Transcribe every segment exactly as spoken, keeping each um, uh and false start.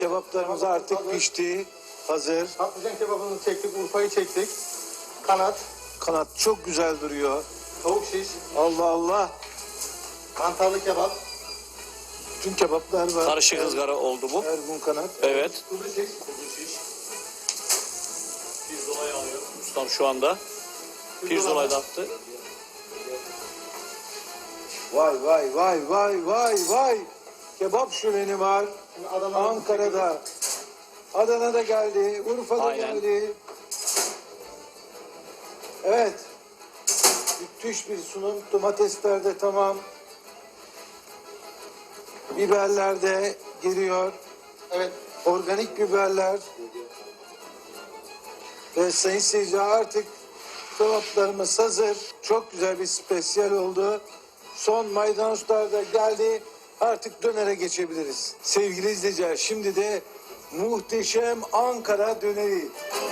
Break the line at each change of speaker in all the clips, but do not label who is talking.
Kebaplarımız artık
hazır.
pişti. Hazır.
Patlıcan kebabını çektik, Urfa'yı çektik. Kanat,
Kanat çok güzel duruyor.
tavuk şiş,
Allah Allah.
mantarlı kebap,
Bütün kebaplar var.
Karışık ızgara oldu bu.
Ergun kanat.
Evet.
kuzu şiş,
Kuzu şiş. Pirzolayı alıyor. Ustam şu anda. Pirzolayı da attı.
Vay vay vay vay vay vay. Kebap şöleni var.
Şimdi Adana'da
Ankara'da. Adana'da geldi. Urfa'da
Aynen.
geldi. Evet. Müthiş bir sunum. Domatesler de tamam. Biberler de geliyor.
Evet,
Organik biberler. Ve sayın seyirciler artık kebaplarımız hazır. Çok güzel bir spesiyel oldu. Son maydanozlar da geldi. Artık dönere geçebiliriz. Sevgili izleyiciler, şimdi de muhteşem Ankara döneri.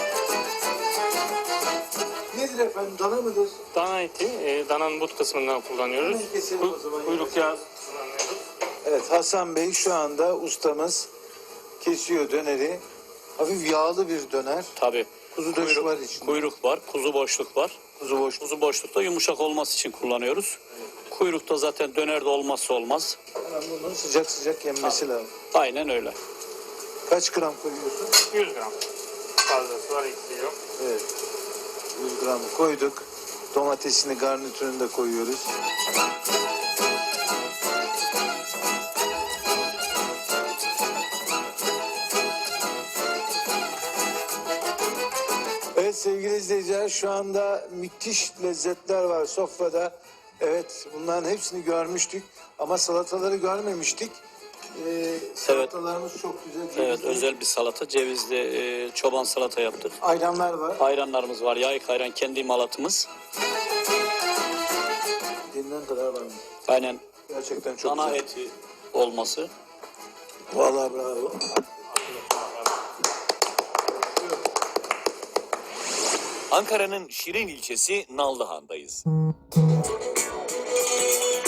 Nedir efendim? Dana mıdır?
Dana eti, e, dananın but kısmından kullanıyoruz.
Hemen keselim
Ku-
o zaman.
Kuyruk yağı kullanıyoruz.
Evet, Hasan Bey şu anda ustamız kesiyor döneri. Hafif yağlı bir döner.
Tabii.
Kuzu döşü
Kuyruk,
var içinde.
kuyruk var, kuzu boşluk var.
Kuzu boş.
Kuzu boşlukta yumuşak olması için kullanıyoruz. Kuyrukta zaten dönerde olmazsa olmaz.
Hemen bunun sıcak sıcak yenmesi lazım.
Aynen öyle.
Kaç gram koyuyorsun?
yüz gram. Fazlası var, eksiği yok.
Evet. yüz gram koyduk. Domatesini, garnitürünü de koyuyoruz. Evet sevgili izleyiciler, şu anda müthiş lezzetler var sofrada. Evet, bunların hepsini görmüştük ama salataları görmemiştik. Ee, salatalarımız çok güzel.
Evet,
cevizli.
özel bir salata. Cevizli e, çoban salata yaptık.
Ayranlar var.
Ayranlarımız var. Yayık ayran kendi imalatımız.
Denilen kadar var mı?
Aynen
Gerçekten çok
dana
güzel.
eti olması.
Vallahi bravo.
Ankara'nın Şirin ilçesi Nallıhan'dayız.